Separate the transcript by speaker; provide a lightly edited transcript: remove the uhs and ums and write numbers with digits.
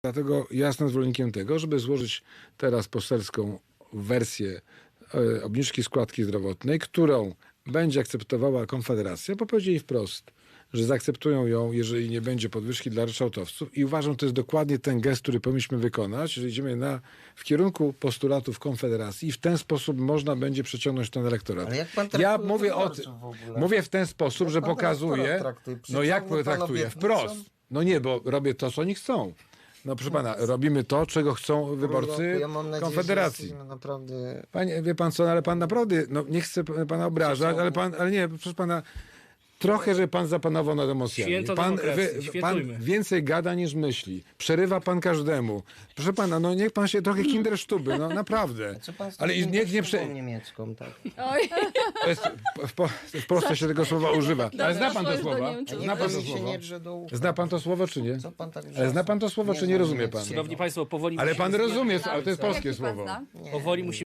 Speaker 1: Dlatego ja jestem zwolennikiem tego, żeby złożyć teraz poselską wersję obniżki składki zdrowotnej, którą będzie akceptowała Konfederacja, bo powiedzieli wprost, że zaakceptują ją, jeżeli nie będzie podwyżki dla ryczałtowców. I uważam, że to jest dokładnie ten gest, który powinniśmy wykonać, że idziemy w kierunku postulatów Konfederacji i w ten sposób można będzie przeciągnąć ten elektorat.
Speaker 2: Ale jak pan
Speaker 1: Ja
Speaker 2: traktuje
Speaker 1: mówię
Speaker 2: wyborców w ogóle?
Speaker 1: mówię w ten sposób,
Speaker 2: Jak
Speaker 1: że
Speaker 2: pan
Speaker 1: pokazuję.
Speaker 2: elektorat traktuje?
Speaker 1: No jak
Speaker 2: Przyciągnie pan
Speaker 1: traktuję?
Speaker 2: obietnicą?
Speaker 1: Wprost. No nie, bo robię to, co oni chcą. No proszę pana, robimy to, czego chcą wyborcy
Speaker 2: Ja mam nadzieję,
Speaker 1: Konfederacji.
Speaker 2: że jesteśmy naprawdę...
Speaker 1: Panie, wie pan co, ale pan naprawdę, no nie chcę pana obrażać, ale nie, proszę pana, trochę, że pan zapanował nad emocjami.
Speaker 3: Święto
Speaker 1: Pan,
Speaker 3: demokracji,
Speaker 1: pan
Speaker 3: świętujmy.
Speaker 1: więcej gada niż myśli. Przerywa pan każdemu. Proszę pana, no niech pan się trochę kindersztuby, no naprawdę.
Speaker 2: Co pan z
Speaker 1: Ale
Speaker 2: taką
Speaker 1: niech nie
Speaker 2: szubą niemiecką, tak?
Speaker 4: Oj,
Speaker 1: to jest, w Polsce się tego słowa używa. Ale zna pan to
Speaker 4: powiedz do
Speaker 1: słowa?
Speaker 4: Niemców.
Speaker 1: Zna pan to
Speaker 2: mi się
Speaker 1: słowo?
Speaker 2: nie drze do ucha.
Speaker 1: Zna pan to słowo, czy nie?
Speaker 2: Co pan tak
Speaker 1: Ale zna pan to słowo, czy nie
Speaker 2: znam
Speaker 1: rozumie pan?
Speaker 2: niemieckiego.
Speaker 3: Szanowni Państwo, powoli
Speaker 1: Ale pan
Speaker 3: musimy
Speaker 1: rozumie,
Speaker 3: zmierzać
Speaker 1: ale to jest
Speaker 3: do końca.
Speaker 1: polskie
Speaker 4: jaki pan
Speaker 1: słowo.
Speaker 4: zna?
Speaker 2: Nie,
Speaker 3: Powoli
Speaker 2: nie
Speaker 3: musimy